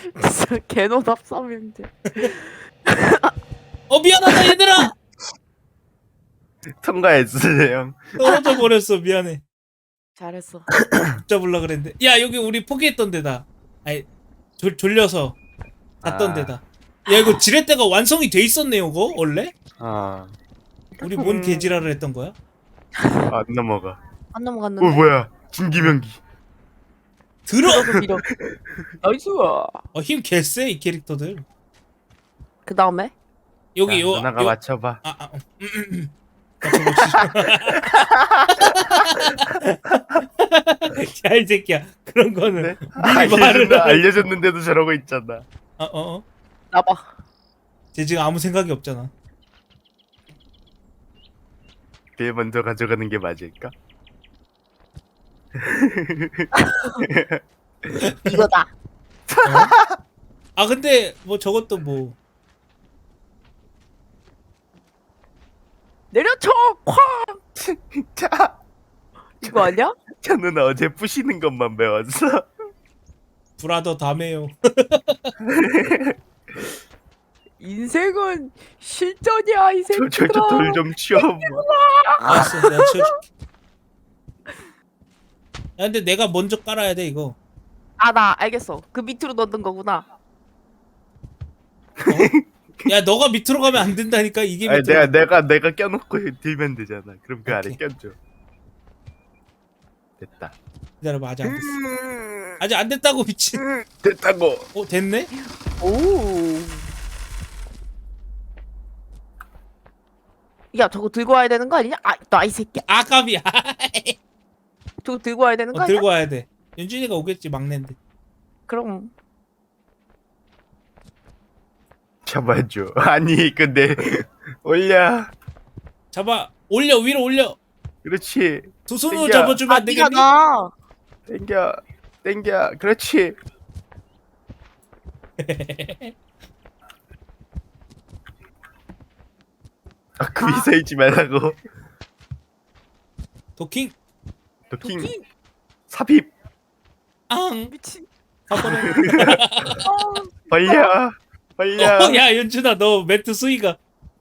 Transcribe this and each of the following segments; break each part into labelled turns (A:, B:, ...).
A: 진짜 개노답 삼형제.
B: 미안하다 얘들아.
C: 통과했어요 형.
B: 떨어져 버렸어. 미안해.
A: 잘했어.
B: 붙잡으려 그랬는데. 야 여기 우리 포기했던 데다. 아니 졸려서 갔던 데다. 야 이거 지렛대가 완성이 돼 있었네요. 그거 원래? 우리 뭔 개지랄을 했던 거야?
C: 안 넘어가.
A: 안 넘어갔는데.
C: 뭐야 진기명기.
B: 들어.
A: 밀어. 나이스.
B: 힘 개쎄 이 캐릭터들.
A: 그 다음에
B: 여기 요
C: 누나가 맞춰봐.
B: 야 이 새끼야 그런 거는
C: 네?
B: 미리 말을
C: 알려줬는데도 저러고 있잖아.
A: 나봐.
B: 쟤 지금 아무 생각이 없잖아.
C: 걔 먼저 가져가는 게 맞을까?
A: 이거다.
B: 근데 뭐 저것도 뭐
A: 내려쳐. 쾅.
C: 자,
A: 이거 아니야?
C: 저는 어제 부시는 것만 배웠어.
B: 브라더 다메요.
A: 인생은 실전이야 이 새끼들아.
C: 저 돌 좀 치워봐.
B: 알았어 내가 치워줄게. 야 근데 내가 먼저 깔아야 돼 이거.
A: 나 알겠어. 그 밑으로 넣는 거구나.
B: 야 너가 밑으로 가면 안 된다니까. 이게
C: 아니,
B: 밑으로.
C: 내가 껴놓고 들면 되잖아. 그럼 그 아래
B: 오케이.
C: 껴줘. 됐다.
B: 기다려봐 아직 안 됐어. 아직 안 됐다고 미친.
C: 됐다고.
B: 됐네?
A: 오. 야 저거 들고 와야 되는 거 아니냐? 나 이 새끼야.
B: 아깝이야.
A: 저거 들고 와야 되는 거 아니야?
B: 들고 와야 돼. 윤준이가 오겠지 막내인데.
A: 그럼
C: 잡아줘. 아니 근데 올려.
B: 잡아 올려 위로 올려.
C: 그렇지.
B: 두 손으로
C: 땡겨.
B: 잡아주면 안
A: 네가
B: 되겠니?
A: 나.
C: 땡겨. 그렇지. 그 위서 있지 말라고.
B: 도킹.
C: 도킹.
A: 도킹.
C: 삽입.
B: 앙.
A: 미친.
B: 가버려.
C: 벌려.
B: 야 윤준아 너 매트 수위가.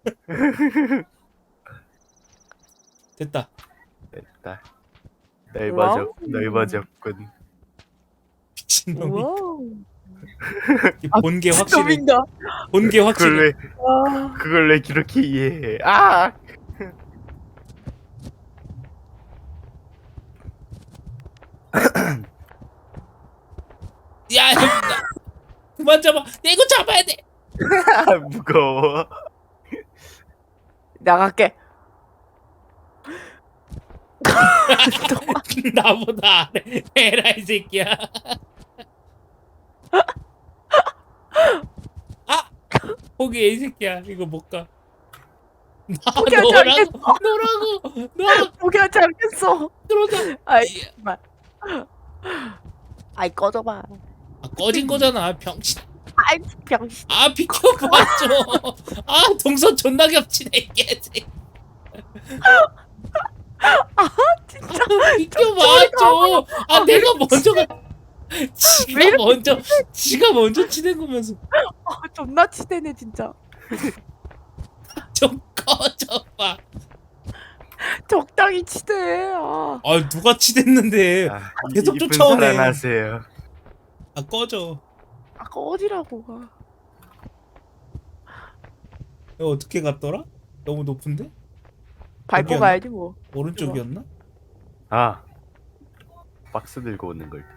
B: 됐다.
C: 됐다.
A: 와우.
C: 넓어졌군.
B: 미친놈이.
A: 와우.
B: 본게 확실해.
A: 놈인가?
B: 본게 확실해.
C: 그걸 왜 그렇게 이해해?
B: 야 그만 잡아. 야, 이거 잡아야 돼.
C: 무거워.
A: 나갈게.
B: 나보다 안해. 에라 이 새끼야. 포기해 이 새끼야. 이거 못 가.
A: 포기하지 않겠어.
B: 너라고. 너
A: 포기하지 않겠어.
B: 들어가.
A: 아이 정말. 아이 꺼져봐.
B: 꺼진 거잖아 병신.
A: 아이 병신.
B: 비켜봐 좀. 동선 존나 겹치네 이 개새끼.
A: 진짜.
B: 비켜봐 좀. 내가 먼저 가. 지가 먼저 치는 거면서.
A: 존나 치대네 진짜.
B: 좀 꺼져봐.
A: 적당히 치대.
B: 누가 치댔는데. 계속
C: 이쁜
B: 쫓아오네.
C: 사랑하세요.
B: 꺼져.
A: 꺼지라고.
B: 이거 어떻게 갔더라? 너무 높은데?
A: 밟고
B: 여기였나?
A: 가야지 뭐.
B: 오른쪽이었나?
C: 박스 들고 오는 걸.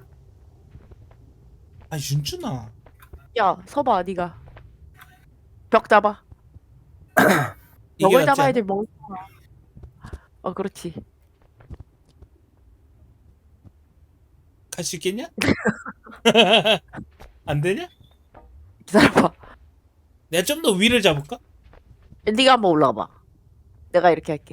B: 윤준아.
A: 야 서봐 네가. 벽 잡아.
B: 이게
A: 벽을
B: 낫지
A: 잡아야지 멍. 그렇지.
B: 갈 수 있겠냐? 안 되냐?
A: 기다려봐.
B: 내가 좀 더 위를 잡을까?
A: 네가 한번 올라와봐. 내가 이렇게 할게.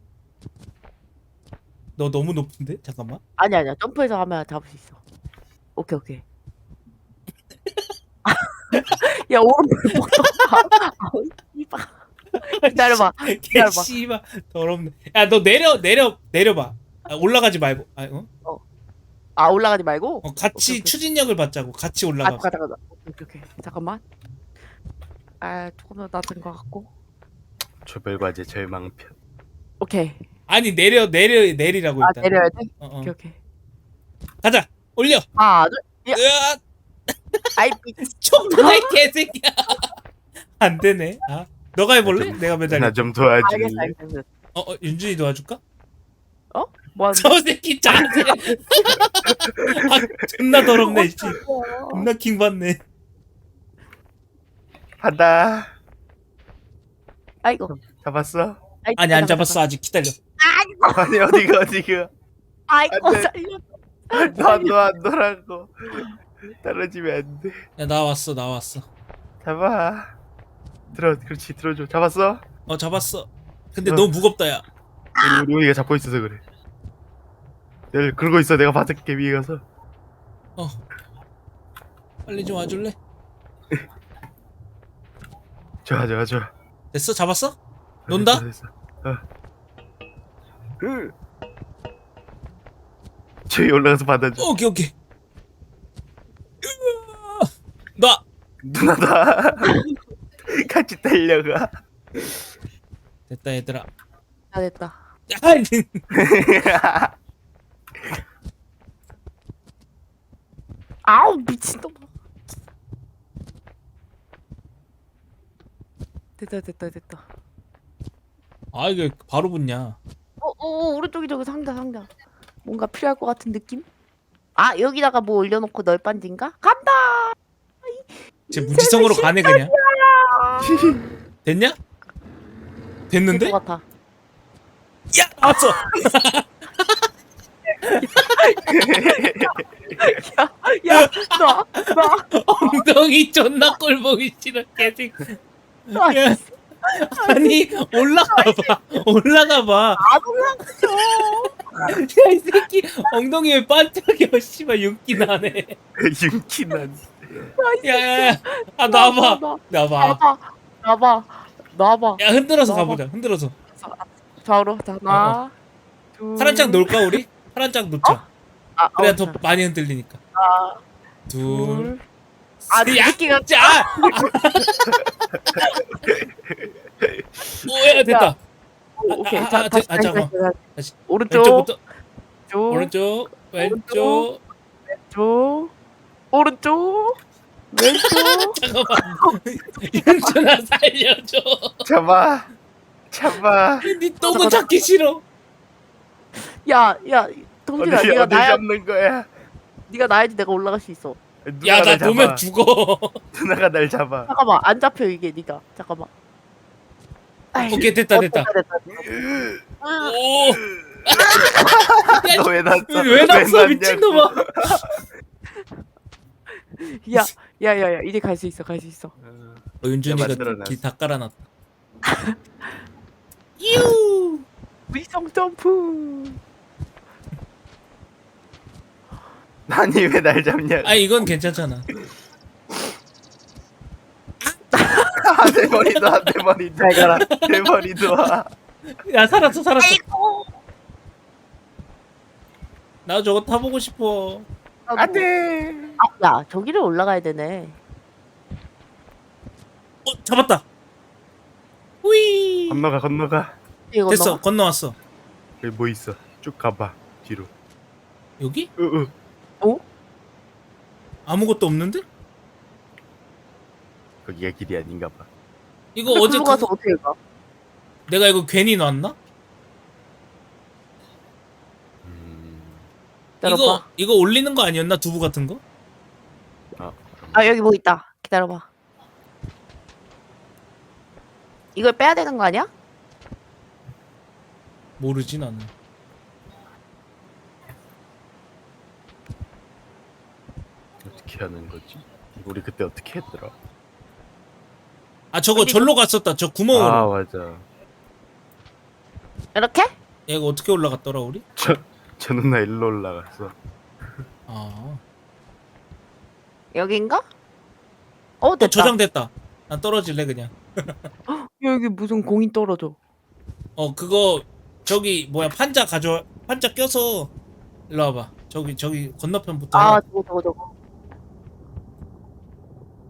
B: 너 너무 높은데? 잠깐만.
A: 아니야. 점프해서 하면 잡을 수 있어. 오케이. 야 오른발 뻗어. 이봐. 기다려봐.
B: 씨발 더럽네. 야 너 내려봐. 올라가지 말고.
A: 올라가지 말고.
B: 같이
A: 오케이.
B: 추진력을 받자고. 같이 올라가.
A: 가자. 오케이. 잠깐만. 아 조금 더 낮은 것 같고.
C: 조별과제 절망편.
A: 오케이.
B: 아니 내리라고
A: 아
B: 일단.
A: 내려야 돼?
B: 어.
A: 오케이.
B: 가자. 올려.
A: 하나 둘. 야.
B: 으아,
A: 아이
B: 총나이 개새끼야. 안 되네. 아, 너가 해볼래? 내가 매달려.
C: 나 좀 도와줄래?
A: 알겠어.
B: 윤준이 도와줄까?
A: 뭐 하는데?
B: 저 새끼 자세. 아, 존나 더럽네. 씨. 존나 킹 받네.
C: 하다.
A: 아이고.
C: 잡았어?
B: 아니 안 잡았어 아직 기다려.
A: 아이고.
C: 아니 어디가?
A: 아이고
C: 안 돼.
A: 살려.
C: 안 놀라고. 떨어지면 안 돼.
B: 야 나왔어.
C: 잡아. 그렇지 들어줘. 잡았어?
B: 잡았어. 근데
C: 어.
B: 너무 무겁다 야.
C: 우리가 잡고 있어서 그래. 내가 그러고 있어. 내가 받을게 위에 가서.
B: 빨리 좀 와줄래?
C: 좋아.
B: 됐어 잡았어? 논다?
C: 됐어. 저기 올라가서 받아줘.
B: 오케이. 놔.
C: 누나다. 같이 달려가.
B: 됐다 얘들아.
A: 아 됐다.
B: 아니.
A: 아우 미친놈. 됐다.
B: 아 이게 바로 붙냐?
A: 오른쪽이 저기 상자. 뭔가 필요할 것 같은 느낌? 아 여기다가 뭐 올려놓고 널빤지인가? 간다.
B: 쟤 무지성으로 가네 그냥. 됐냐? 됐는데?
A: 것 같아.
B: 야 나왔어.
A: 나.
B: 엉덩이 존나 꼴보기 싫어 개새끼.
A: 아,
B: 야, 아니 올라가봐.
A: 안 올라가죠.
B: 야이 새끼 엉덩이 왜 반짝여 씨발 윤기 나네.
C: 윤기난.
B: 야야야 아 나와봐.
A: 나봐.
B: 야 흔들어서
A: 나와봐.
B: 가보자. 흔들어서.
A: 좌우로. 자 하나. 둘.
B: 파란 짝 놓을까 우리? 파란 짝 놓자. 그래야 더
A: 자,
B: 많이 흔들리니까.
A: 하나,
B: 둘.
A: 아,
B: 야,
A: 느끼가
B: 자. 오야 됐다.
A: 오케이.
B: 아,
A: 자, 다시
B: 잠깐만. 다시.
A: 오른쪽.
B: 왼쪽부터.
A: 쪽.
B: 오른쪽. 왼쪽.
A: 쪽. 오른쪽. 왼쪽.
B: 잠깐만. 윤준아 살려줘.
C: 잡아.
B: 네 똥은 찾기 싫어.
A: 야, 동진아,
C: 어디
A: 네가 나야,
C: 잡는 거야?
A: 네가 나야지 내가 올라갈 수 있어.
C: 누나가
B: 야 나
C: 날
B: 보면
C: 잡아.
B: 죽어.
C: 누나가 날 잡아.
A: 잠깐만, 안 잡혀 이게 네가. 잠깐만. 아이,
B: 오케이 됐다.
A: 됐다.
B: 오. 야,
C: 너 왜 났어?
B: 왜 났어 미친놈아.
A: 야, 이제 갈 수 있어.
B: 윤준이가
C: 만들어놨어.
B: 길 다 깔아놨다. 유.
A: 위성 점프.
C: 아니 왜 날 잡냐?
B: 아 이건 괜찮잖아.
C: 내 머리도 와, 내 머리도.
A: 잘 가라.
C: 내 머리도 와.
B: 야 살았어.
A: 아이고.
B: 나 저거 타보고 싶어.
C: 안돼.
A: 야, 저기를 올라가야 되네.
B: 잡았다. 휘.
C: 건너가.
A: 이거
B: 됐어. 건너왔어.
C: 여기 뭐 있어? 쭉 가봐 뒤로.
B: 여기?
A: 어?
B: 아무것도 없는데?
C: 거기가 길이 아닌가 봐.
B: 이거 어제
A: 글로 가서 어떻게 가?
B: 내가 이거 괜히 놨나?
A: 기다려봐.
B: 이거 올리는 거 아니었나? 두부 같은 거?
A: 아 여기 뭐 있다. 기다려봐. 이걸 빼야 되는 거 아니야?
B: 모르지 나는.
C: 어떻게 하는 거지? 우리 그때 어떻게 했더라?
B: 아 저거 절로 갔었다. 저 구멍으로.
C: 아 맞아.
A: 이렇게?
B: 얘가 어떻게 올라갔더라 우리?
C: 저 누나 일로 올라갔어.
B: 아.
A: 여긴가? 됐다.
B: 저장됐다. 난 떨어질래 그냥.
A: 여기 무슨 공이 떨어져.
B: 그거 저기 뭐야 판자 껴서 일로 와봐. 저기 건너편부터.
A: 아
B: 해.
A: 저거.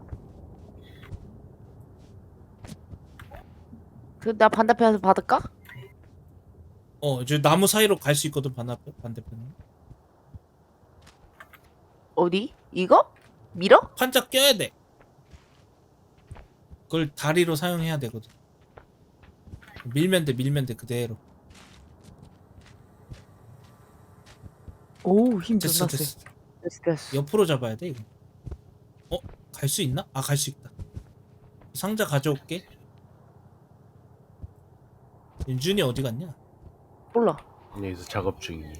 A: 나 반대편에서 받을까?
B: 저 나무 사이로 갈 수 있거든 반대편에.
A: 어디? 이거? 밀어?
B: 판자 껴야 돼. 그걸 다리로 사용해야 되거든. 밀면 돼 그대로.
A: 오, 힘
B: 됐어
A: 존나 세.
B: 됐어.
A: 됐어.
B: 옆으로 잡아야 돼 이거. 갈 수 있나? 아 갈 수 있다. 상자 가져올게. 윤준이 어디 갔냐?
A: 몰라.
C: 여기서 작업 중이니.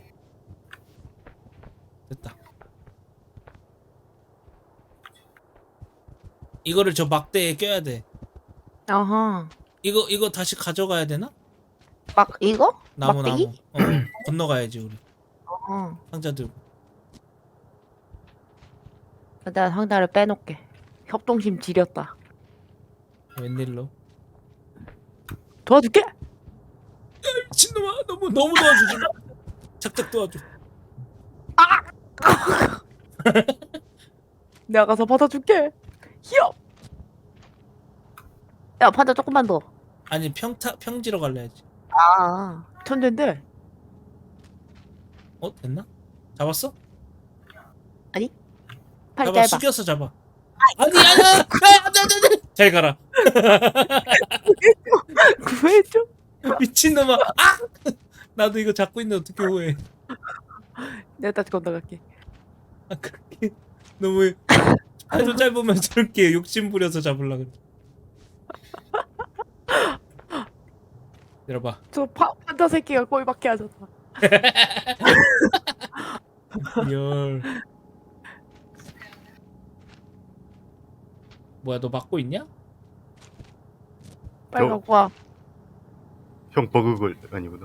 B: 됐다. 이거를 저 막대에 껴야 돼.
A: 아하.
B: 이거 다시 가져가야 되나?
A: 막 이거?
B: 나무
A: 막대기?
B: 건너가야지 우리.
A: 어.
B: 상자 들고.
A: 내가 상자를 빼놓게. 협동심 지렸다.
B: 웬일로?
A: 도와줄게.
B: 미친놈아 너무 도와주지 마. 착착 도와줘.
A: 내가 가서 받아줄게. 히업. 야, 판자 조금만 더.
B: 아니 평지로 갈래야지.
A: 아, 천재인데.
B: 됐나? 잡았어?
A: 팔
B: 잡아
A: 짧아.
B: 숙여서 잡아. 아니 잘 가라.
A: 구해줘.
B: 미친놈아. 나도 이거 잡고 있는데 어떻게 후회?
A: 내가 다시 건너갈게.
B: 그렇게 너무 팔도 짧으면 저렇게 욕심 부려서 잡으려 그래. 들어봐.
A: 저 판자 새끼가 꼴밖에 하셨다.
B: 열. 뭐야 너 막고 있냐?
A: 빨리
C: 저-
A: 갖고 와.
C: 형 버그걸 아니구나.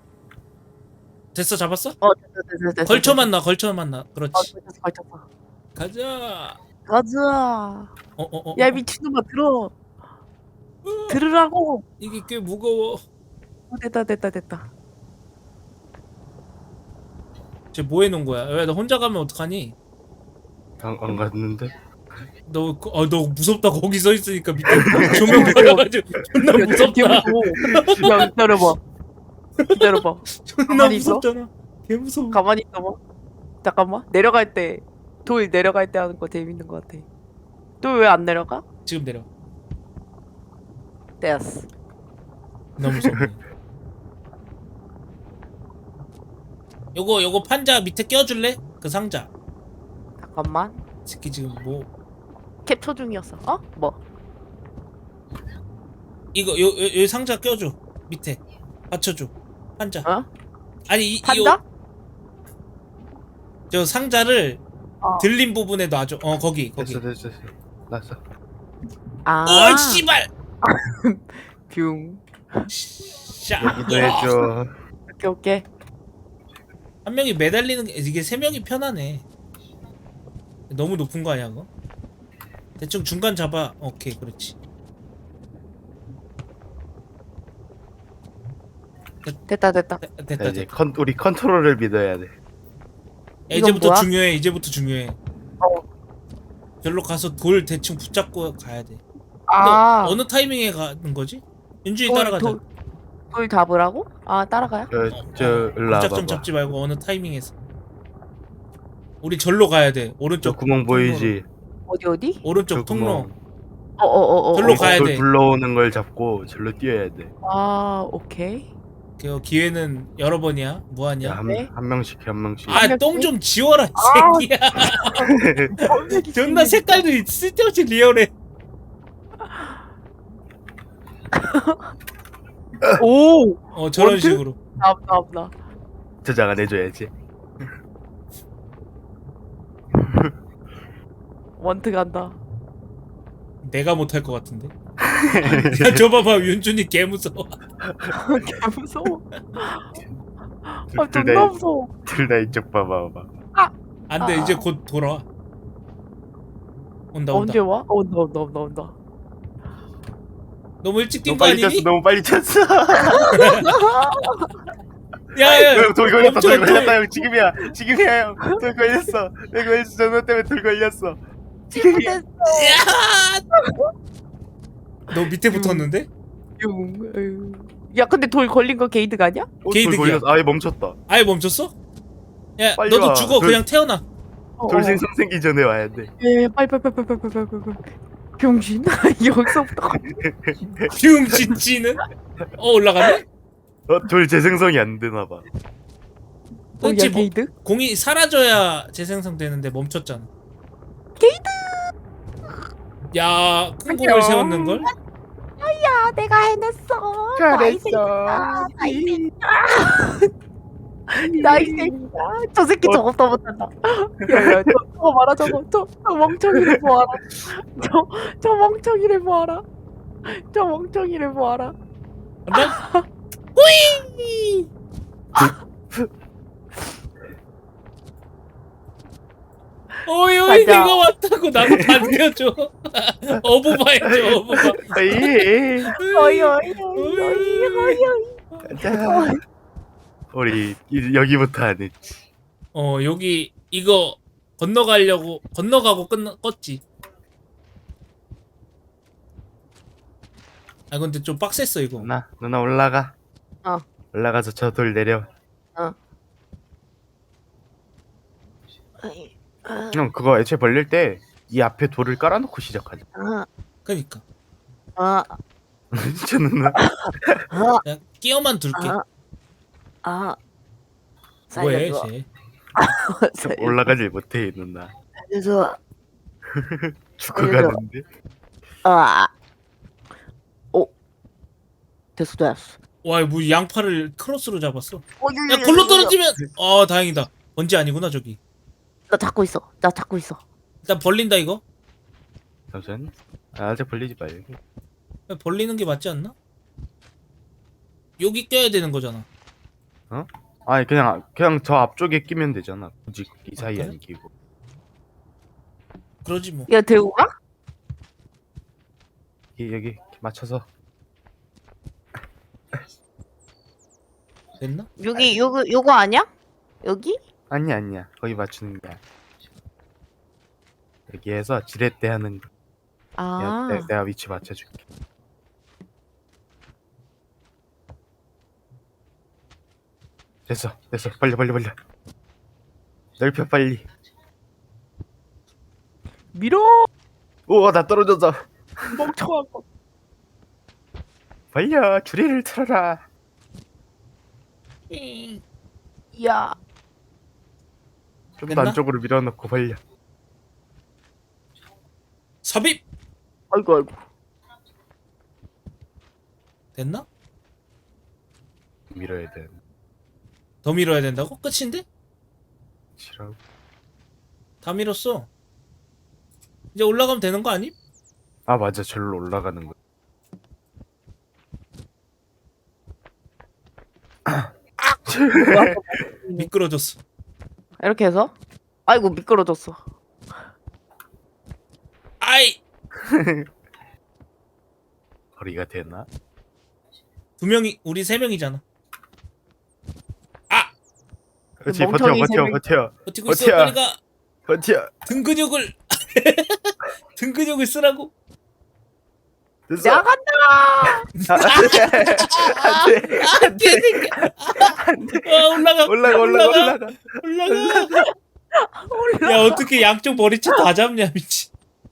B: 됐어 잡았어?
A: 됐어.
B: 걸쳐만 나. 그렇지.
A: 걸쳤어.
B: 가자.
A: 가자.
B: 어.
A: 야, 미친놈아, 들어. 들으라고.
B: 이게 꽤 무거워.
A: 됐다.
B: 쟤 뭐 해놓은 거야? 왜 너 혼자 가면 어떡하니?
C: 안 갔는데?
B: 너 무섭다 거기 서 있으니까 밑에 조명 받아가지고 존나 무섭다.
A: 야, 기다려봐.
B: 존나
A: 가만히 있어?
B: 무섭잖아. 개 무서워.
A: 가만히 있어봐. 잠깐만. 내려갈 때, 돌 내려갈 때 하는 거 재밌는 거 같아. 돌 왜 안 내려가?
B: 지금 내려.
A: 됐어.
B: 너무 무섭네. 요거 판자 밑에 껴줄래? 그 상자.
A: 잠깐만.
B: 새끼 지금 뭐
A: 캡처 중이었어. 어? 뭐?
B: 이거 요 상자 껴줘. 밑에 받쳐줘. 판자.
A: 어?
B: 아니 이
A: 판다?
B: 저 상자를
A: 어.
B: 들린 부분에 놔줘. 거기.
C: 됐어. 났어.
A: 아.
B: 오 씨발.
A: 뷰.
B: 샤.
C: 여기도 해줘.
A: 오케이.
B: 한 명이 매달리는 게 이게 세 명이 편하네. 너무 높은 거 아니야 그거? 대충 중간 잡아. 오케이 그렇지.
A: 됐다.
B: 됐다.
C: 자, 이제 우리 컨트롤을 믿어야 돼.
B: 야,
A: 이건
B: 이제부터
A: 뭐야?
B: 중요해. 이제부터 중요해. 절로 가서 돌 대충 붙잡고 가야 돼.
A: 아.
B: 너 어느 타이밍에 가는 거지? 윤주이
A: 돌,
B: 따라가자.
A: 돌 잡으라고? 아, 따라가요?
C: 저 일로 와봐.
B: 무작정 잡지 말고 어느 타이밍에서. 우리 절로 가야 돼.
C: 저
B: 오른쪽
C: 구멍 보이지?
A: 어디?
B: 오른쪽
C: 저
B: 통로.
C: 구멍.
B: 절로 가야
C: 돌
B: 돼.
C: 굴러오는 걸 잡고 절로 뛰어야 돼.
A: 아, 오케이.
B: 그 기회는 여러 번이야. 무한이야.
C: 야,
A: 네.
C: 한 명씩 한 명씩.
B: 똥 좀 지워라 이
A: 아.
B: 새끼야. 존나 색깔도 쓸데없이 리얼해.
A: 오!
B: 저런
A: 원투?
B: 식으로.
A: 나.
C: 저장 안 해줘야지.
A: 원트 간다.
B: 내가 못할 것 같은데. 야, 저 봐봐 윤준이 개 무서워.
A: 개 무서워. 아,
C: 둘
A: 존나
C: 다
A: 무서워.
C: 둘 다 이쪽 봐봐.
B: 안돼 이제 곧 돌아와. 온다.
A: 언제 와? 온다.
B: 너무 일찍
C: 너무
B: 뛴 거
C: 빨리
B: 아니니?
C: 쳤어. 너무 빨리 쳤어.
B: 야야.
C: 돌 걸렸다.
B: 멈춰,
C: 돌 걸렸다 형. 지금이야 형. 돌 걸렸어. 전화 때문에 돌 걸렸어.
A: 지금 됐어.
B: 너 밑에 붙었는데?
A: 아유. 야 근데 돌 걸린 거 게이드가 아니야?
B: 게이득이야.
C: 돌 걸렸어. 아예 멈췄다.
B: 아예 멈췄어? 야
C: 빨리
B: 너도
C: 와.
B: 죽어. 그냥 태어나.
C: 돌 생성 생기 전에 와야 돼.
A: 예, 빨리. 병신. 여기서부터.
B: 흉진찌는? 올라가네?
C: 돌 재생성이 안 되나 봐.
B: 그렇지
A: 야,
B: 뭐,
A: 게이드?
B: 공이 사라져야 재생성되는데 멈췄잖아.
A: 게이드.
B: 야, 큰 공을 세웠는 걸?
A: 야, 내가 해냈어.
C: 잘했어.
A: 나이 새끼야. 저 새끼 저거 더 못한다. 야야, 저거 봐라 저거. 저 멍청이를 보아라. 저 멍청이를 보아라. 저 멍청이를 보아라.
B: 간다? 호이! 어이
A: 가자.
B: 내가 왔다고 나도 반겨줘. 어부바 해줘 어부바.
C: 에이.
A: 어이.
C: 가자. 우리 여기부터 하네.
B: 여기 이거 건너가고 껐지. 아 근데 좀 빡셌어 이거.
C: 누나 올라가.
A: 어.
C: 올라가서 저 돌 내려. 형 그거 애초에 벌릴 때 이 앞에 돌을 깔아놓고 시작하자.
B: 그니까
C: 저 누나.
B: 그냥 끼어만 둘게. 뭐해 쟤?
C: 올라가질 못해 누나.
A: 그래서
C: 죽어가는데.
A: 됐어.
B: 와, 뭐 양파를 크로스로 잡았어. 야, 골로 떨어지면 다행이다. 번지 아니구나 저기.
A: 나 잡고 있어.
B: 일단 벌린다 이거.
C: 잠시만. 아직 벌리지 말고.
B: 벌리는 게 맞지 않나? 여기 껴야 되는 거잖아.
C: 아니 그냥 저 앞쪽에 끼면 되잖아. 굳이 이 사이에
B: 그래?
C: 안 끼고.
B: 그러지 뭐.
A: 야 들고 가?
C: 여기 맞춰서.
B: 됐나?
A: 여기 요거 아니야? 여기?
C: 아니야. 거기 맞추는 거야. 여기에서 지렛대 하는 거. 내가 위치 맞춰줄게. 됐어. 빨리. 넓혀 빨리.
A: 밀어.
C: 우와 나 떨어졌어.
A: 멍청한 거.
C: 벌려 줄이를 틀어라.
A: 야.
C: 좀 더
B: 됐나?
C: 안쪽으로 밀어넣고 벌려.
B: 삽입!
A: 아이고.
B: 됐나?
C: 밀어야 돼.
B: 더 밀어야 된다고? 끝인데?
C: 싫어.
B: 다 밀었어. 이제 올라가면 되는 거 아님?
C: 아 맞아 절로 올라가는 거.
B: 미끄러졌어.
A: 이렇게 해서? 아이고 미끄러졌어.
B: 아이!
C: 거리가 되나?
B: 우리 세 명이잖아.
C: 그렇지
A: 멍청이
C: 버텨.
B: 버티고 있어.
C: 버텨.
B: 빨리 가.
C: 버텨.
B: 등 근육을 등 근육을 쓰라고.
C: 됐어.
A: 야 간다.
B: 올라가. 야 어떻게 양쪽 머리채 다 잡냐 미친.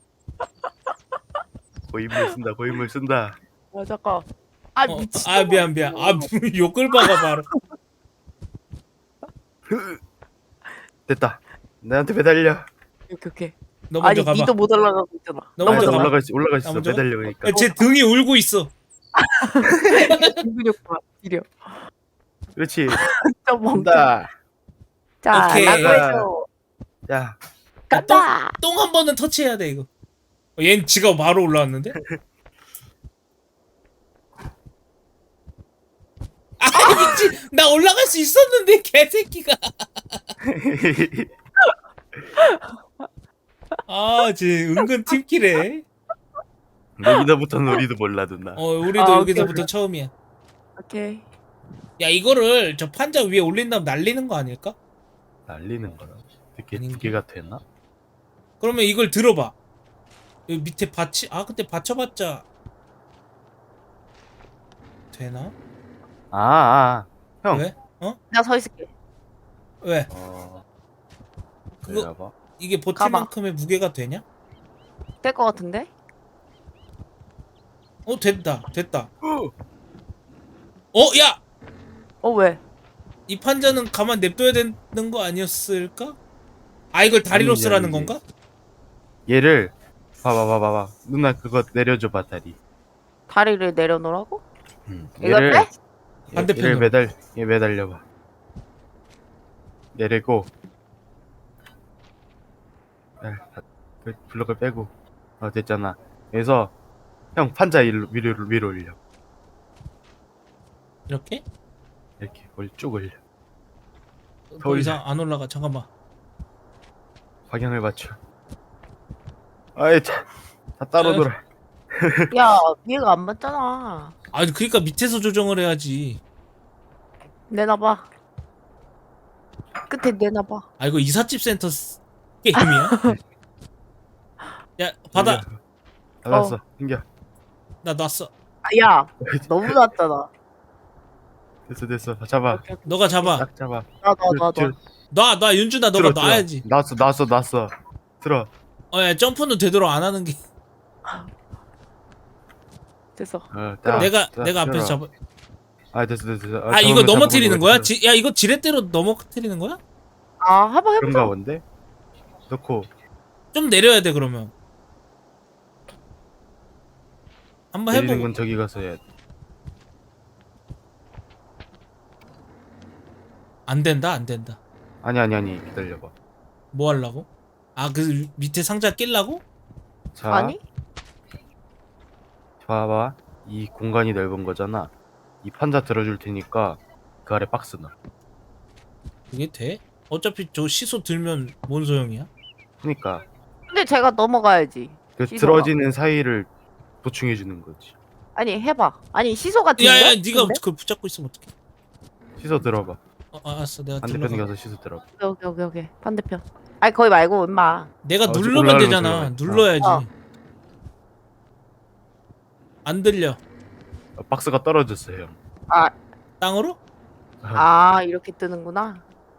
C: 고인물 쓴다.
A: 잠깐. 미친.
B: 미안. 욕을 박아 바로.
C: 됐다. 나한테 매달려.
A: 오케이.
B: 너 먼저
A: 아니
B: 가봐.
A: 니도 못 올라가고 있잖아.
B: 너 먼저 가봐.
C: 올라가 있어.
B: 나 먼저 가?
C: 매달려 그러니까.
B: 야, 쟤 등이 울고 있어.
A: 근육 봐. 이려.
C: 그렇지.
A: 좀 멍청.
C: 간다.
A: 자,
B: 오케이.
A: 나도 해줘.
C: 야.
A: 간다.
B: 똥 한 번은 터치해야 돼 이거. 얜 지가 바로 올라왔는데? 미친. 나 올라갈 수 있었는데 개새끼가. 쟤 은근 팀킬해.
C: 여기서부터는 우리도 몰라 누나.
B: 우리도 여기서부터
A: 오케이.
B: 처음이야.
A: 오케이.
B: 야 이거를 저 판자 위에 올린 다음 날리는 거 아닐까?
C: 날리는 거라. 두
B: 아닌가?
C: 개가 되나?
B: 그러면 이걸 들어봐. 여기 밑에 근데 받쳐봤자 되나?
C: 형.
B: 왜? 어?
A: 내가 서 있을게.
B: 왜?
C: 그거
B: 그거
C: 봐.
B: 이게 버틸
A: 가봐.
B: 만큼의 무게가 되냐?
A: 될 것 같은데?
B: 됐다. 야!
A: 왜?
B: 이 판자는 가만 냅둬야 되는 거 아니었을까? 아, 이걸 다리로
C: 아니지,
B: 쓰라는
C: 아니지.
B: 건가?
C: 얘를 봐봐. 누나 그거 내려줘봐 다리.
A: 다리를 내려놓으라고? 이걸
C: 얘를
A: 빼?
B: 반대편으로.
C: 얘 매달려봐. 내리고. 그 블럭을 빼고. 됐잖아. 그래서 형 판자 위로 올려.
B: 이렇게?
C: 이렇게 쭉 올려.
B: 더 이상 안 올라가. 잠깐만.
C: 방향을 맞춰. 아이 다 따로
B: 에?
C: 놀아.
A: 야, 얘가 안 맞잖아.
B: 아니, 그러니까 밑에서 조정을 해야지.
A: 내놔봐. 끝에 내놔봐.
B: 아, 이거 이삿집 센터 게임이야? 야, 받아.
C: 받았어. 챙겨.
B: 나 놨어.
A: 야, 너무 낮잖아.
C: 됐어. 잡아.
B: 너가 잡아.
C: 딱 잡아.
A: 나.
B: 윤준아, 너가 놔야지.
C: 놨어. 들어.
B: 야, 점프는 되도록 안 하는 게.
A: 됐어.
B: 내가 앞에서 잡아.
C: 됐어.
B: 아, 이거 넘어뜨리는 거야? 야, 이거 지렛대로 넘어뜨리는 거야?
A: 아, 해보자.
C: 그런가 본데? 넣고.
B: 좀 내려야 돼, 그러면. 한번
C: 내리는
B: 해보고.
C: 건 저기 가서 해야 돼.
B: 안 된다.
C: 아니. 기다려봐.
B: 뭐 하려고? 아, 그 밑에 상자 낄라고?
C: 자,
A: 아니?
C: 봐봐. 이 공간이 넓은 거잖아. 이 판자 들어줄 테니까 그 아래 박스 넣어.
B: 그게 돼? 어차피 저 시소 들면 뭔 소용이야?
C: 그러니까
A: 근데 제가 넘어가야지.
C: 그
A: 시소가.
C: 들어지는 사이를 보충해 주는 거지.
A: 아니, 해봐. 아니, 시소 같은데?
B: 야야, 네가
A: 근데?
B: 그걸 붙잡고 있으면 어떡해?
C: 씻어 들어봐.
B: 알았어, 내가
C: 반대편에
B: 들러가.
C: 가서 씻어 들어봐.
A: 오케이. 반대편. 아니, 거기 말고, 임마.
B: 내가
C: 지금
B: 누르면
C: 올라가는
B: 되잖아.
C: 소리가
B: 눌러야지.
A: 어.
B: 안 들려.
C: 박스가 떨어졌어 형.
A: 아,
B: 땅으로?
A: 이렇게 뜨는구나.